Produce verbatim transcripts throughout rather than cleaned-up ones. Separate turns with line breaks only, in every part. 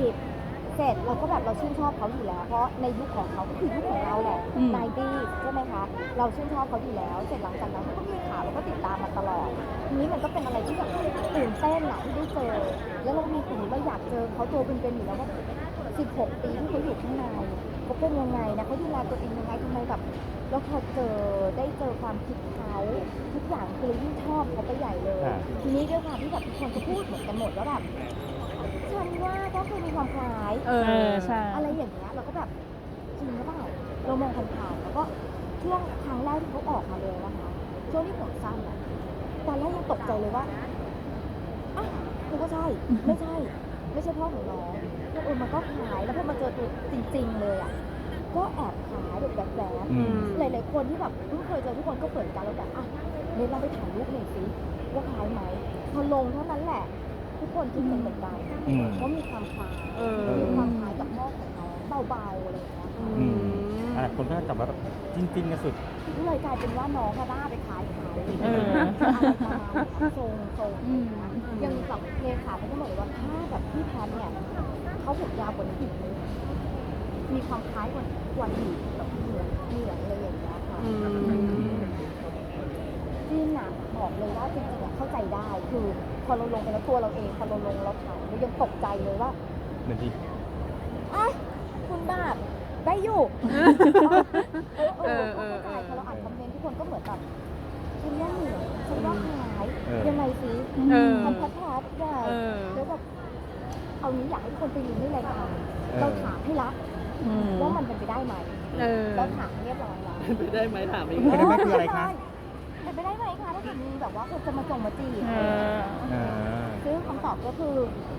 บเสร็จเราก็แบบเราชื่นชอบเขาอยู่แล้วเพราะในยุคของเขาก็คือยุคของเราแหละ
อืม
ไนตี้ใช่ไหมคะเราชื่นชอบเขาอยู่แล้วเสร็จหลังจากนั้นเขาก็มีข่าวเราก็ติดตามมาตลอดทีนี้มันก็เป็นอะไรที่แบบตื่นเต้นอะที่ได้เจอแล้วเรามีสิ่งที่เราอยากเจอเขาตัวเป็นๆอยู่แล้วว่าสิบหกปีที่เขาอยู่ข้างในเขาเป็นยังไงนะเขาดูแลตัวเองยังไงทำไมแบบแล้วพอเจอได้เจอความคิดเขาทุกอย่างคือยิ่งชอบเขาไปใหญ่เลย
อ่า
ทีนี้ด้วยความที่แบบทุกคนก็พูดเหมือนกันหมดว่าแบบฉันว่าก็คือมีความคล้าย
เออใช่
อะไรอย่างเงี้ยเราก็แบบจริงหรือเปล่าเรามองผ่านๆแล้วก็ช่วงครั้งแรกที่เขาออกมาเลยนะคะช่วงที่ผมสั้นอะตอนแรกยังตกใจเลยว่าอ่ะกูก็ใช่ไม่ใช่ ไม่ใช่พ่อของน้องแล้วเออมันก็คล้ายแล้วพอมาเจอตัวจริง ๆ เลยอะก็แอบคล้ายแบบแวบ
อืม
ๆหลายๆคนที่แบบเพิ่งเคยเจอทุกคนก็เปิดกันแล้วแบบอ่ะเดี๋ยวเราไปถ่ายรูปหน่อยสิว่าคล้ายไหมพอลงเท่านั้นแหละ ทุกคนคิดเหมือนกัน
อืม
ว่ามีความคล้าย
เออ
มีความคล้ายกับพ่อของน้องเบาๆอะไรอย่างเงี้ยค่ะ
อืมอ่ะคนก็จับว่าแบบจริงๆกันสุด
ก็เลยกลายเป็นว่าน้องก็บ้าไปคล้ายเขา
เออ
อะไรประมาณนั้นทรงทรง
อืม
ยังแบบเลขาเขาก็บอกเลยว่าถ้าแบบพี่แพทเนี่ยเขาผมยาวกว่านี้อีกนิดมีความคล้ายกว่ากว่าอีกแบบเหมือนเหมือนอะไรอย่างเงี้ยค่ะ
อืม
จริงนะบอกเลยว่าจริงๆอะเข้าใจได้คือพอเราลงไปแล้วตัวเราเองพอเราลงเราถ่ายเรายังตกใจเลยว่า
เหมือนที่
อ่ะคุณแบบได้อยู่ เออเออเข้าใจพอเราอ่านคอมเมนต์ทุกคนก็เหมือนแบบฉันว่าเหมือนฉันว่าคล้าย
เออ
ยังไงสิ
เออ
ทำพัดพัดได้
เออ
แล้วแบบเอานี้อยากให้ทุกคนไปดูในรายการเราถามให้ละ
อืม
ว่ามันเป็นไปได้ไหม
เออ
เราถามเรียบร้อยแล้ว
ไปได้ไหมถามอีก
เป็นไปได้ไหมคืออะไรคะ
เป็นไปได้ไหมคะถ้าเกิดมีแบบว่าคนจะมาจงมาจีบ
เออ
อ่า
ซึ่งคำตอบก็คือ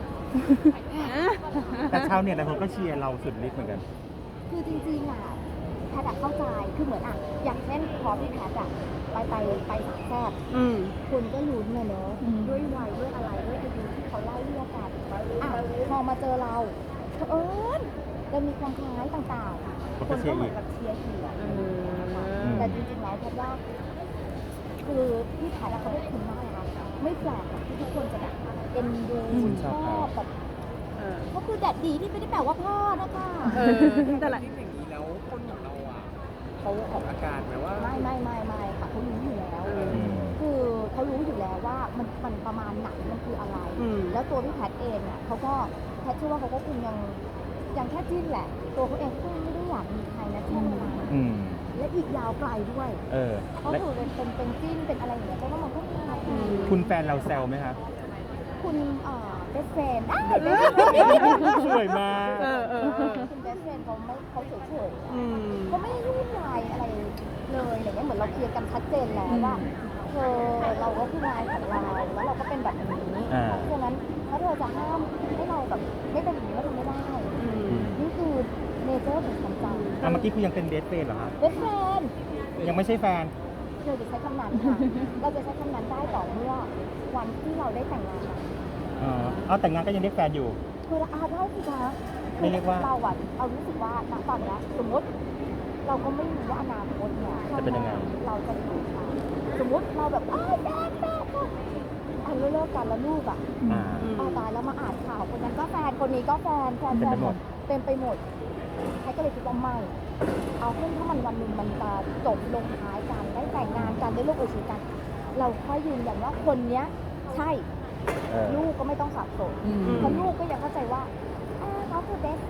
แต่ชาวเน็ตหลายคนก็เชียร์เราสุดฤทธิ์เหมือนกัน
คือจริงๆอ่ะแพทย์อะเข้าใจคือเหมือนอ่ะอย่างเช่นพอพี่แพทย์อ่ะไปไปไปสามแซ่บ
อืม
คุณก็ลุ้นนะเนอะ
อืม
ด้วยวัยด้วยอะไรด้วยอายุที่เขาไล่เรียกกันอ่ะพอมาเจอเราเออเรามีความคล้ายต่างๆ คนก็เหมือนกับเชียร์เชียร์
เออ
แต่จริงๆแล้วแพทย์ว่า คือพี่แพทย์อะเขาเป็นคนน่ารักไม่แปลกหรอกที่ทุกคนจะแบบเอ็นดู
อืม
ชอบแบบ
เออ
ก็คือแดดดีที่ไม่ได้แปลว่าพ่อนะคะ
เออแต่ละ
ที่อย่างนี้แล้วคนของเราอ่ะเขาออกอาการไหมว่า
ไม่ไม่ไม่ไม่ค่ะเขารู้อยู่แล้ว
อืม
คือเขารู้อยู่แล้วว่ามันมันประมาณไหนมันคืออะไร
อืม
แล้วตัวพี่แพทย์เองอ่ะเขาก็แพทย์เชื่อว่าเขาก็คงยังยังแค่จิ้นแหละ ตัวเขาเองก็ไม่ได้อยากมีใครนะช่วงเวลานั้น
อืม
และอีกยาวไกลด้วย
เออ
เพราะ
และ
คือเป็นเป็นเป็นจิ้นเป็นอะไรอย่างเงี้ยเพราะว่ามันก็มีอะไร
อืม
คุณแฟนเราแซวไหมคะ
คุณเอ่อเบสเฟนได้
สวยมาก
เออเออเออ
คุณเบสเฟนเขาไม่เขาเฉยๆอะ
อืม
เขาไม่ได้ยุ่งวายอะไรเลยอะไรเงี้ยเหมือนเราเคลียร์กันชัดเจนแล้วว่าเธอเราก็คืองานของเราแล้วเราก็เป็นแบบนี้
อ่า
เพราะฉะนั้นถ้าเธอจะห้ามให้เราแบบไม่เป็นอย่างนี้ก็ทำไม่ได้
อืม
นี่คือเนเจอร์ของความจ
อ่ะเมื่อกี้คือยังเป็นเบสเฟรนด์เหรอคะ
ำเบสเฟน
ยังไม่ใช่แฟน
เราจะใช้คำนั้นค่ะ เราจะใช้คำนั้นได้ต่อเมื่อวันที่เราได้แต่งงานกัน
อ๋อเอาแต่งงานก็ยังเรียกแฟนอยู่
คืออาได้สิคะ
ไม่เรียกว่า
เราอะเรารู้สึกว่าณตอนเนี้ยสมมติ เราก็ไม่รู้ว่าอนาคตเนี่ย
จะเป็นยังไง
เราจะอยู่ค่ะสมมติเราแบบอ้าวแม่แม่ก็อ่ะเลิกกันแล้วลูกอ่ะ
อ่า
อืม
อ่าตายแล้วมาอ่านข่าวคนนั้นก็แฟนคนนี้ก็แฟนแฟน
เต็
แฟ
ม
น
ไปหมด
เต็มไปหมดใครก็เลยคิดว่าไม่เอาขึ้นถ้ามันวันหนึ่งมันจะจบลงท้ายกันได้แต่งงานกันได้ลูกเอยชีวิตกัน เราค่อยยืนยันว่าคนเนี้ยใช่
เออ
ลูกก็ไม่ต้องสับสน
อืม
เพราะลูกก็ยังเข้าใจว่าอ่าเขาคือเบส